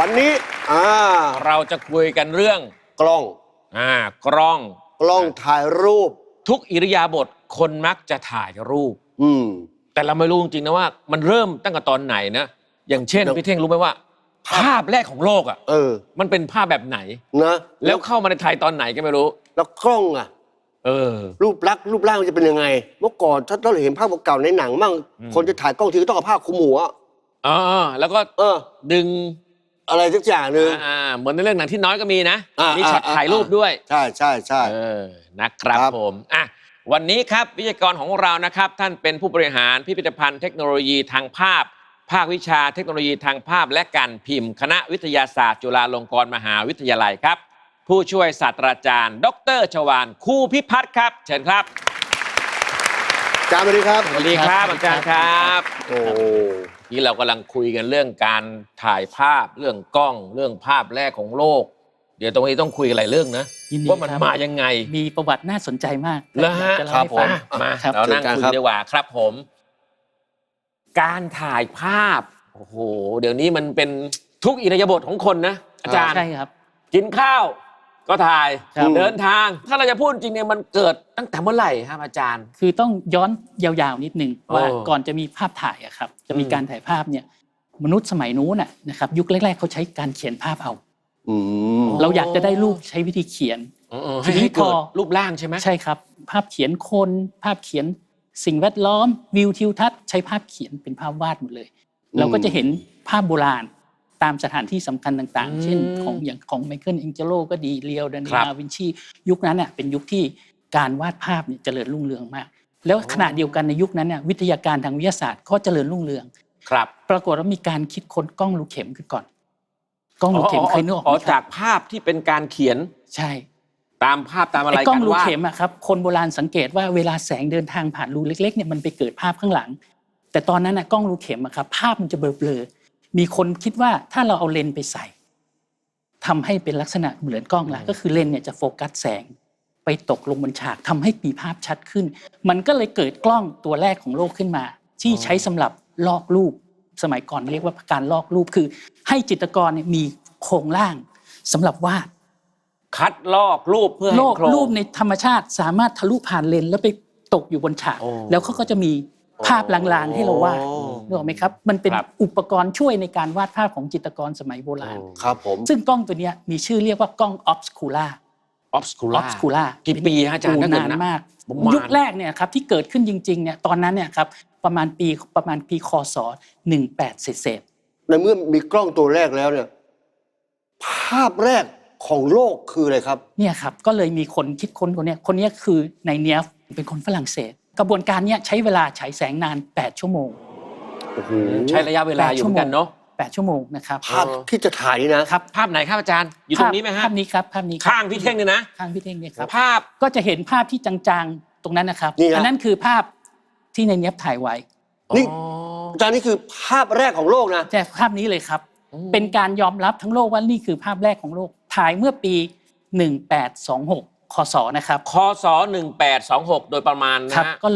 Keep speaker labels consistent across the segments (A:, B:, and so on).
A: วันนี้
B: เราจะคุยกันเรื่อง
A: กล้อง
B: กล้อง
A: ถ่ายรูป
B: ทุกอิริยาบถคนมักจะถ่ายรูปแต่เราไม่รู้จริงๆนะว่ามันเริ่มตั้งแต่ตอนไหนนะอย่างเช่นพี่เท่งรู้ไหมว่าภาพแรกของโลกมันเป็นภาพแบบไหน
A: นะ
B: แล้วเข้ามาในไทยตอนไหนก็ไม่รู้
A: แล้วกล้องรูปลักษณ์รูปร่างมันจะเป็นยังไงเมื่อก่อนถ้าเราเห็นภาพเก่าในหนังมั่งคนจะถ่ายกล้องทีก็ต้องเอาผ้าคลุมหัว
B: แล้วก็ดึง
A: อะไรสักอย่างหนึ่ง
B: เหมือนในเรื่องหนังที่น้อยก็มีนะมีช็อตถ่ายรูปด้วย
A: ใช่
B: นะครับผมวันนี้ครับวิทยากรของเรานะครับท่านเป็นผู้บริหารพิพิธภัณฑ์เทคโนโลยีทางภาพภาควิชาเทคโนโลยีทางภาพและการพิมพ์คณะวิทยาศาสตร์จุฬาลงกรณ์มหาวิทยาลัยครับผู้ช่วยศาสตราจารย์ดร.ชวาลคูพิพัฒน์ครับเชิญครับ
A: อาจารย์สวัสดีครับ
B: สวัสดีครับอาจารย์ครับนี่เรากำลังคุยกันเรื่องการถ่ายภาพเรื่องกล้องเรื่องภาพแรกของโลกเดี๋ยวตรงนี้ต้องคุยกันหลายเรื่องนะว่ามันมายังไง
C: มีประวัติน่าสนใจมาก
B: แล้วฮะครับผมมาเรานั่งคุยดีกว่าครับผมการถ่ายภาพโอ้โหเดี๋ยวนี้มันเป็นทุกอิริยาบถของคนนะอาจารย์
C: ใช่ครับ
B: กินข้าวก็ถ่ายเดินทางถ้าเราจะพูดจริงเนี่ยมันเกิดตั้งแต่เมื่อไหร่ครับอาจารย์
C: คือต้องย้อนยาวๆนิดนึงว่าก่อนจะมีภาพถ่ายครับจะมีการถ่ายภาพเนี่ยมนุษย์สมัยนู้นนะครับยุคแรกๆเขาใช้การเขียนภาพเอาเราอยากจะได้รูปใช้วิธีเขียน
B: ทีนี้พอรูปร่างใช่ไหม
C: ใช่ครับภาพเขียนคนภาพเขียนสิ่งแวดล้อมวิวทิวทัศน์ใช้ภาพเขียนเป็นภาพวาดหมดเลยเราก็จะเห็นภาพโบราณตามสถานที่สำคัญต่างๆเช่นของไมเคิลแองเจโลก็ดีเลียวดาวินชียุคนั้นเป็นยุคที่การวาดภาพเนี่ยเจริญรุ่งเรืองมากแล้วขณะเดียวกันในยุคนั้นเนี่ยวิทยาการทางวิทยาศาสตร์ก็เจริญรุ่งเรือง
B: ครับ
C: ปรากฏว่ามีการคิดค้นกล้องรูเข็มขึ้นก่อนกล้องรูเข็มเคยนึกออกไหม
B: จากภาพที่เป็นการเขียน
C: ใช่
B: ตามภาพตามอะไรกันว่าก
C: ล้องรูเข็มครับคนโบราณสังเกตว่าเวลาแสงเดินทางผ่านรูเล็กๆเนี่ยมันไปเกิดภาพข้างหลังแต่ตอนนั้นกล้องรูเข็มครับภาพมันจะเบลอมีคนคิดว่าถ้าเราเอาเลนส์ไปใส่ทำให้เป็นลักษณะเหมือนกล้องละก็คือเลนส์เนี่ยจะโฟกัสแสงไปตกลงบนฉากทำให้มีภาพชัดขึ้นมันก็เลยเกิดกล้องตัวแรกของโลกขึ้นมาที่ใช้สำหรับลอกรูปสมัยก่อนเรียกว่าการลอกรูปคือให้จิตรกรมีโครงร่างสำหรับวาด
B: คัดลอกรูปเพื่อให้
C: รูปในธรรมชาติสามารถทะลุผ่านเลนส์แล้วไปตกอยู่บนฉากแล้วเขาก็จะมีภาพลางๆให้เราวาดนึกออกไหมครับมันเป็นอุปกรณ์ช่วยในการวาดภาพของจิตรกรสมัยโบราณ
A: ครับผม
C: ซึ่งกล้องตัวนี้มีชื่อเรียกว่ากล้อง obscura
B: กี่ปีอาจารย์
C: นานมากยุคแรกเนี่ยครับที่เกิดขึ้นจริงๆเนี่ยตอนนั้นเนี่ยครับประมาณปีคศ18เศษ
A: ในเมื่อมีกล้องตัวแรกแล้วเนี่ยภาพแรกของโลกคืออะไรครับ
C: เนี่ยครับก็เลยมีคนคิดค้นคนนี้คือในเนียฟเป็นคนฝรั่งเศสกระบวนการนี้ใช้เวลาฉายแสงนาน8ชั่วโมง
B: ใช้ระยะเวลาอยู่เหมือนกันเนาะ
C: 8ชั่วโมงนะครับ
A: ภาพที่จะถ่ายนี่นะครับ
B: ภาพไหนครับอาจารย์อยู่ตรงนี้ไหมฮะ
C: ภาพนี้ครับภาพนี้
B: ข้างพี่เท่งเนี่ยนะ
C: ข้างพี่เท่งเนี่ยครับ
B: ภาพ
C: ก็จะเห็นภาพที่จางๆตรงนั้นนะครับอันนั้นคือภาพที่ในเนียฟถ่ายไว้
A: นี่อาจารย์นี่คือภาพแรกของโลกนะ
C: ใช่ภาพนี้เลยครับเป็นการยอมรับทั้งโลกว่านี่คือภาพแรกของโลกถ่ายเมื่อปี1826คศนะครับ
B: คศ1826โดยประมาณ
C: นะก็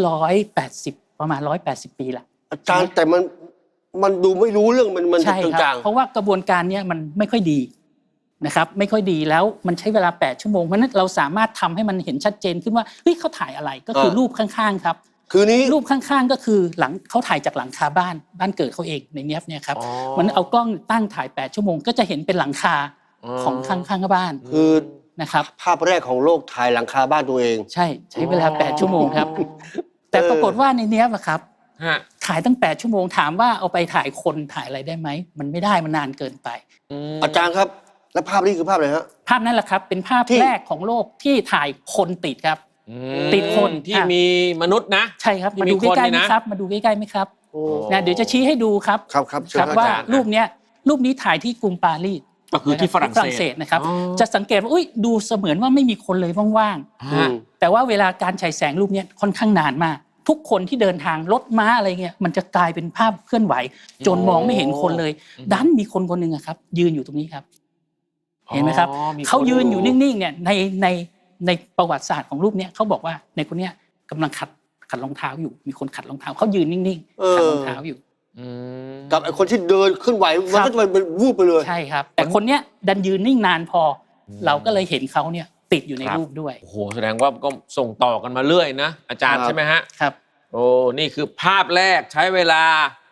C: 180ประมาณ180ปีละ
A: อาจารย์แต่มันดูไม่รู้เรื่องมันจาง
C: ๆเพราะว่ากระบวนการนี้มันไม่ค่อยดีนะครับไม่ค่อยดีแล้วมันใช้เวลา8ชั่วโมงเพราะนั้นเราสามารถทำให้มันเห็นชัดเจนขึ้นว่าเฮ้ยเขาถ่ายอะไรก็คือรูปข้างๆครับ
A: คือนี้
C: รูปข้างๆก็คือหลังเขาถ่ายจากหลังคาบ้านเกิดเขาเองในเนี้ยเนี่ยครับมันเอากล้องตั้งถ่าย8ชั่วโมงก็จะเห็นเป็นหลังคาของข้างๆบ้าน
A: คือ
C: นะครับ
A: ภาพแรกของโลกถ่ายหลังคาบ้านตัวเอง
C: ใช้เวลา8ชั่วโมงครับแต่ปรากฏว่าในเนี้ยครับถ่ายตั้ง8ชั่วโมงถามว่าเอาไปถ่ายคนถ่ายอะไรได้ไหมมันไม่ได้มันนานเกินไป
A: อาจารย์ครับแล้วภาพนี้คือภาพอะไรฮะ
C: ภาพนั้นแหละครับเป็นภาพแรกของโลกที่ถ่ายคนติดครับติดคน
B: ที่มีมนุษย์นะ
C: ใช่ครับมาดูใกล้ๆไหมครับมาดูใกล้ๆไหมครับเดี๋ยวจะชี้ให้ดูครับ
A: ครับ
C: ว่ารูปนี้ถ่ายที่กรุงปารีส
B: ก็คือที่ฝรั่งเศส
C: นะครับจะสังเกตว่าดูเสมือนว่าไม่มีคนเลยว่างๆแต่ว่าเวลาการฉายแสงรูปนี้ค่อนข้างนานมากทุกคนที่เดินทางรถม้าอะไรเงี้ยมันจะกลายเป็นภาพเคลื่อนไหวจนมองไม่เห็นคนเลยดันมีคนคนหนึ่งครับยืนอยู่ตรงนี้ครับเห็นไหมครับเขายืนอยู่นิ่งๆเนี่ยในประวัติศาสตร์ของรูปนี้เขาบอกว่าในคนนี้กำลังขัดรองเท้าอยู่มีคนขัดรองเท้าเขายืนนิ่งๆขัดรองเท้าอยู่
B: อืม
A: กับไอ้คนที่เดินขึ้นไหวมันก็จะเป็นวูบไปเลย
C: ใช่ครับ แต่คนเนี้ยดันยืนนิ่งนานพออ
B: ม
C: เราก็เลยเห็นเขาเนี่ยติดอยู่ใน
B: ครับ
C: รูปด้วย
B: โอ้โหแสดงว่าก็ส่งต่อกันมาเรื่อยนะอาจารย์
A: ครับ
B: ใช่ไหมฮะ
C: ครับ
B: โอ้นี่คือภาพแรกใช้เวลา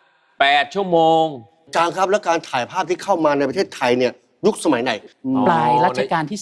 B: 8 ชั่วโมง
A: อาจารย์ครับแล้วการถ่ายภาพที่เข้ามาในประเทศไทยเนี่ยยุคสมัยไหน
B: อ๋อ
C: ปลายรัชกาลที่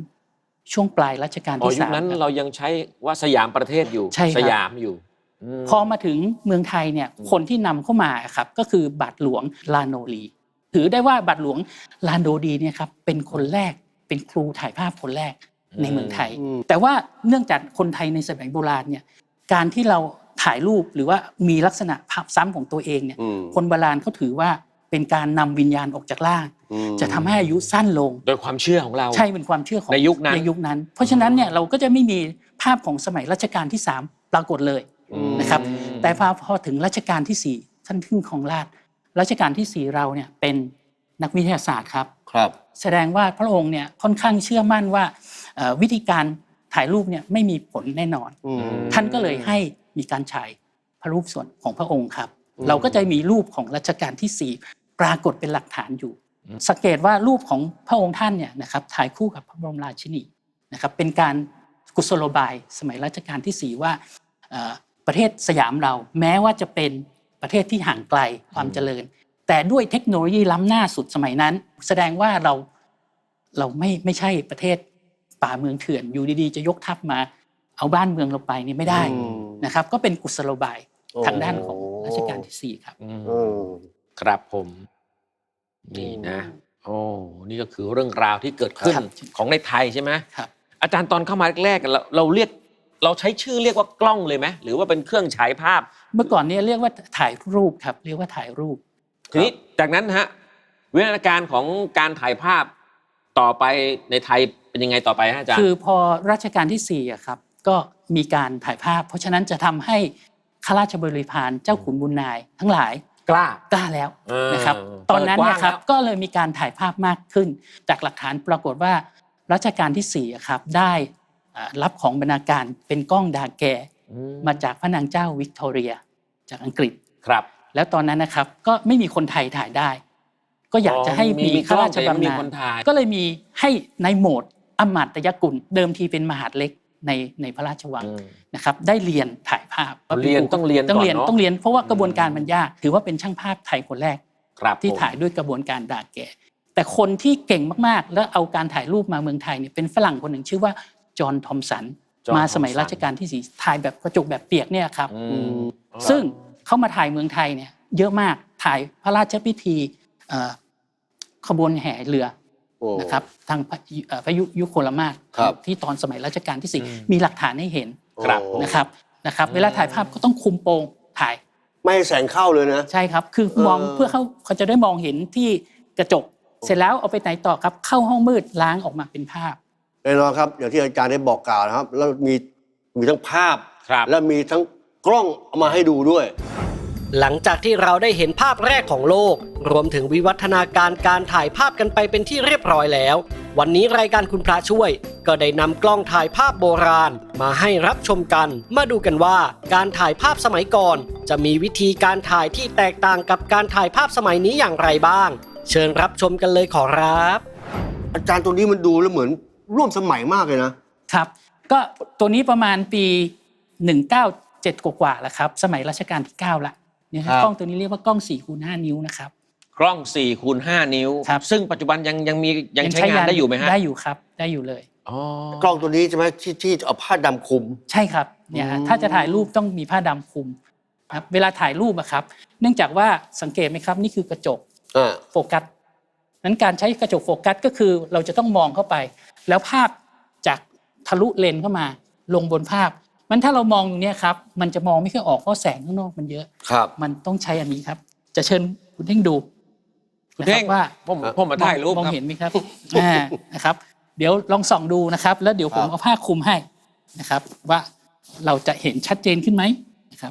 C: 3 ช่วงปลายรัชกาล
B: อ๋อ
C: ที่
B: ยุค
C: 3
B: นั้น
C: ครับ
B: เรายังใช้ว่าสยามประเทศอยู่
C: ใช่ครับ
B: สยามอยู่ม
C: พอมาถึงเมืองไทยเนี่ยคนที่นำเข้ามาครับก็คือบาทหลวงลาโนลีถือได้ว่าบาทหลวงลาโนดีเนี่ยครับเป็นคนแรกเป็นครูถ่ายภาพคนแรกในเมืองไทย
A: อืม
C: แต่ว่าเนื่องจากคนไทยในสมัยโบราณเนี่ยการที่เราถ่ายรูปหรือว่ามีลักษณะภาพซ้ำของตัวเองเนี่ย
A: อืม
C: คนโบราณเขาถือว่าเป็นการนำวิญญาณออกจากร่าง
A: อืม
C: จะทำให้อายุสั้นลง
B: โดยความเชื่อของเรา
C: ใช่เป็นความเชื่อของ
B: ในยุคนั้น
C: เพราะฉะนั้นเนี่ยเราก็จะไม่มีภาพของสมัยรัชกาลที่ 3 ปรากฏเลย
A: อืม
C: นะครับ แต่พอถึงรัชกาลที่ 4 ท่านขึ้นของราชย์รัชกาลที่ 4 เราเนี่ยเป็นนักวิทยาศาสตร์ครับ
A: ครับ
C: แสดงว่าพระองค์เนี่ยค่อนข้างเชื่อมั่นว่าวิธีการถ่ายรูปเนี่ยไม่มีผลแน่นอน
A: อืม
C: ท่านก็เลยให้มีการฉายพระรูปส่วนของพระองค์ครับ
A: อืม
C: เราก็จะมีรูปของรัชกาลที่ 4 ปรากฏเป็นหลักฐานอยู่ สังเกตว่ารูปของพระองค์ท่านเนี่ยนะครับถ่ายคู่กับพระบรมราชินีนะครับเป็นการกุศโลบายสมัยรัชกาลที่ 4 ว่าประเทศสยามเราแม้ว่าจะเป็นประเทศที่ห่างไกลความเจริญ แต่ด้วยเทคโนโลยีล้ำหน้าสุดสมัยนั้น แสดงว่าเราไม่ใช่ประเทศป่าเมืองเถื่อนอยู่ดีๆจะยกทัพมาเอาบ้านเมืองเราไปนี่ไม่ได้
A: อืม
C: นะครับก็เป็นกุศโลบาย
A: โอ้
C: ทางด้านของรัชกาลที่ 4 ครับ
B: อืม
A: เออ
B: ครับผม นี่นะ โอ้นี่ก็คือเรื่องราวที่เกิดขึ้น
C: ครับ
B: ของในไทยใช่ไหม
C: ครับ
B: อาจารย์ตอนเข้ามาแรกๆเราใช้ชื่อเรียกว่ากล้องเลยไหมหรือว่าเป็นเครื่องฉายภาพ
C: เมื่อก่อนเนี่ยเรียกว่าถ่ายรูปครับเรียกว่าถ่ายรูป
B: ทีนี้จากนั้นฮะวิวัฒนาการของการถ่ายภาพต่อไปในไทยเป็นยังไงต่อไปฮะอาจารย์
C: คือพอรัชกาลที่4อะครับก็มีการถ่ายภาพ เพราะฉะนั้นจะทำให้ข้าราชบริพารเจ้าขุนบุญนายทั้งหลาย
B: กล้า
C: กล้าแล้ว
B: เออ
C: นะครับตอนนั้นเนี่ยครับ
B: เปิดกว้างแล้ว
C: ก็เลยมีการถ่ายภาพมากขึ้น จากหลักฐานปรากฏว่ารัชกาลที่4อะครับได้รับของบรรณาการเป็นกล้องดาแกมาจากพระนางเจ้าวิกตอเรียจากอังกฤษ
B: ครับ
C: แล้วตอนนั้นนะครับก็ไม่มีคนไทยถ่ายได้ ก็อยากจะให้มีข้าราชบำนาญ
B: คนถ่าย
C: ก็เลยมีให้ในโหมดอมาตยกุลเดิมทีเป็นมหาดเล็กในพระราชวังนะครับได้เรียนถ่ายภาพ
B: ต้องเรียนก่อนเนอะ
C: ต้องเรียนเพราะว่ากระบวนการมันยากถือว่าเป็นช่างภาพไทยคนแรก
B: ครับ
C: ที่
B: ผม
C: ถ่ายด้วยกระบวนการดาแกแต่คนที่เก่งมากๆ แล้วเอาการถ่ายรูปมาเมืองไทยเนี่ยเป็นฝรั่งคนหนึ่งชื่อว่าจอห์นทอมสัน
B: จอห์น
C: มาสมัย
B: ทอมสัน
C: รัชกาลที่ 4 ถ่ายแบบกระจกแบบเปียกเนี่ยครับ
B: อืม
C: ซึ่งเขามาถ่ายเมืองไทยเนี่ยเยอะมากถ่ายพระราชพิธีขบวนแห่เรือ
A: โอ้
C: นะครับทางพระยุคลมาศ
A: ครับ
C: ที่ตอนสมัยรัชกาลที่
B: อืม
C: 4 มีหลักฐานให้เห็น
B: ครับ
A: โอ้
C: นะครับเวลาถ่ายภาพก็ต้องคุมโปงถ่าย
A: ไม่ให้แสงเข้าเลยนะ
C: ใช่ครับคือมอง เพื่อเขาจะได้มองเห็นที่กระจก เสร็จแล้วเอาไปไหนต่อครับเข้าห้องมืดล้างออกมาเป็นภาพ
A: แน่นอนครับอย่างที่อาจารย์ได้บอกกล่าวนะครับ แล้วมีทั้งภาพ
B: ครับ
A: และมีทั้งกล้องเอามาให้ดูด้วย
D: หลังจากที่เราได้เห็นภาพแรกของโลก รวมถึงวิวัฒนาการการถ่ายภาพกันไปเป็นที่เรียบร้อยแล้ว วันนี้รายการคุณพระช่วย ก็ได้นำกล้องถ่ายภาพโบราณ มาให้รับชมกัน มาดูกันว่าการถ่ายภาพสมัยก่อน จะมีวิธีการถ่ายที่แตกต่างกับการถ่ายภาพสมัยนี้อย่างไรบ้าง เชิญรับชมกันเลยขอรับ
A: อาจารย์ตัวนี้มันดูแล้วเหมือนร่วมสมัยมากเลยนะ
C: ครับก็ตัวนี้ประมาณปี 197 กว่าๆแล้วครับสมัยรัชกาลที่ 9ละเนี่ยครับ
A: ครับ
C: กล้องตัวนี้เรียกว่ากล้อง4x5 นิ้วนะครับ
B: กล้อง 4x5 นิ้ว
C: ครับ
B: ซึ่งปัจจุบันยังใช้งานได้อยู่ไหมฮะ
C: ได้อยู่ครับได้อยู่เลย
B: อ๋อ
A: กล้องตัวนี้ใช่ไหมที่เอาผ้าดำคลุม
C: ใช่ครับเนี่ยฮะถ้าจะถ่ายรูปต้องมีผ้าดำคลุมครับเวลาถ่ายรูปอะครับเนื่องจากว่าสังเกตไหมครับนี่คือกระจก โฟกัสนั้นการใช้กระจกโฟกัสก็คือเราจะต้องมองเข้าไป แล้วภาพจากทะลุเลนส์เข้ามาลงบนภาพ มันถ้าเรามองตรงนี้ครับมันจะมองไม่ค่อยออกเพราะแสงข้างนอกมันเยอะ
A: ครับ
C: มันต้องใช้อันนี้ครับ จะเชิญคุณเท่งดู
B: คุณเท่ง
C: นะครับว่า
B: ผมมาถ่ายรูป
C: มอง
B: ครับ
C: เห็นไหมครับ นะครับ เดี๋ยวลองส่องดูนะครับ แล้วเดี๋ยวผม
A: ครับ
C: เอาผ้าคลุมให้นะครับ ว่าเราจะเห็นชัดเจนขึ้นไหมนะครับ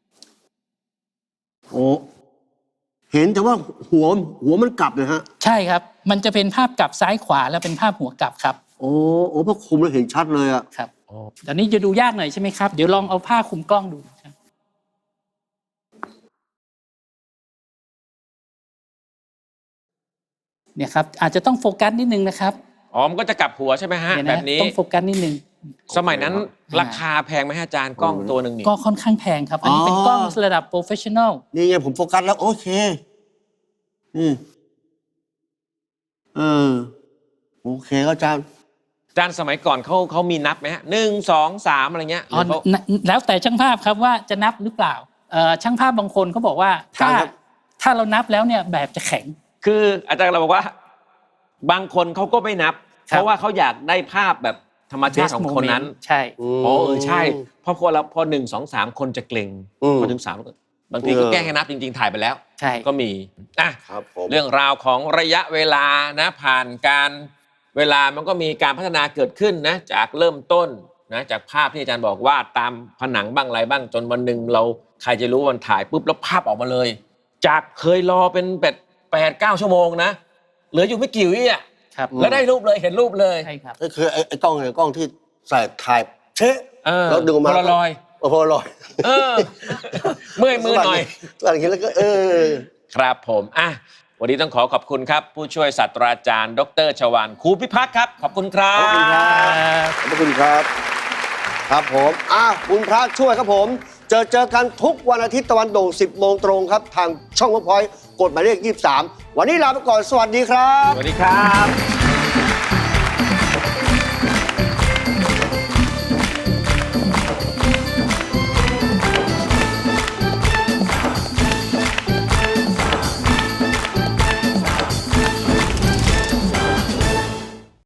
A: โอ้เห็นแต่ว่าหัวมันกลับเลยฮะ
C: ใช่ครับ มันจะเป็นภาพกลับซ้ายขวาแล้วเป็นภาพหัวกลับครับ
A: โอ้พอคลุมแล้วเห็นชัดเลยอะ
C: ครับตอนนี้จะดูยากหน่อยใช่ไหมครับ เดี๋ยวลองเอาผ้าคลุมกล้องดูครับเนี่ยครับอาจจะต้องโฟกัสนิดนึงนะครับ
B: อ๋อมันก็จะกลับหัวใช่ไหมฮะ
C: เนี่ย
B: แบ
C: นะ
B: บนี้
C: ต้องโฟกัสนิดนึง
B: สมัยนั้นราคาแพงไหมฮะอาจารย์กล้องตัวหนึ่งนี่
C: ก็ค่อนข้างแพงครับ อันนี้เป็นกล้องระดับโปรเฟชชั่นอล
A: นี่ไงผมโฟกัสแล้วโอเคโอเคก็อาจารย์
B: อาจารย์สมัยก่อนเขามีนับไหมฮะ1 2 3อะไรเงี้ยหรือเขา
C: แล้วแต่ช่างภาพครับว่าจะนับหรือเปล่าช่างภาพบางคนเขาบอกว่าถ้าเรานับแล้วเนี่ยแบบจะแข็ง
B: คืออาจารย์เราบอกว่า บางคนเขาก็ไม่นับ
C: ครับ
B: เพราะว่าเขาอยากได้ภาพแบบธรรมชาติของคนนั้น
C: ใช่
B: อ๋อใช่เพราะพอ1 2 3คนจะเกรงพอถึง3บางทีก็แกล้งให้นับจริงๆถ่ายไปแล้ว
C: ใช่
B: ก็มีอ่ะ
A: ครับผม
B: เรื่องราวของระยะเวลานะผ่านการเวลามันก็มีการพัฒนาเกิดขึ้นนะจากเริ่มต้นนะจากภาพที่อาจารย์บอกว่าตามผนังบ้างอะไรบ้างจนวันหนึ่งเราใครจะรู้วันถ่ายปุ๊บแล้วภาพออกมาเลย จากเคยรอเป็น8-9 ชั่วโมงนะเหลืออยู่ไม่กี่วิอ่ะ
C: ครับ
B: แล้วได้รูปเลยเห็นรูปเลย
C: ใช่ครับ
A: ก็คือไอ้กล้องเนี่ยกล้องที่ใส่ถ่ายเชะแล้วดึงมา
B: โพลารอยด์
A: โพลารอยด์
B: เมื่อยมือหน่อย
A: หลังจากนี้แล้วก็
B: ครับผมอ่ะวันนี้ต้องขอบคุณครับ ผู้ช่วยศาสตราจารย์ดร.ชวาลครูพิพัฒน์ครับ ขอบคุณครั
A: ขอบคุณครับ บขอบคุณครับ ครับผมคุณพระช่วยครับผม เจอกันทุกวันอาทิตย์ตะวันโด่ง 10 โมงตรงครับ ทางช่องเวิร์กพอยต์กดหมายเลข 23 วันนี้ลาไปก่อน สวัสดีครับ
B: สวัสดีครับ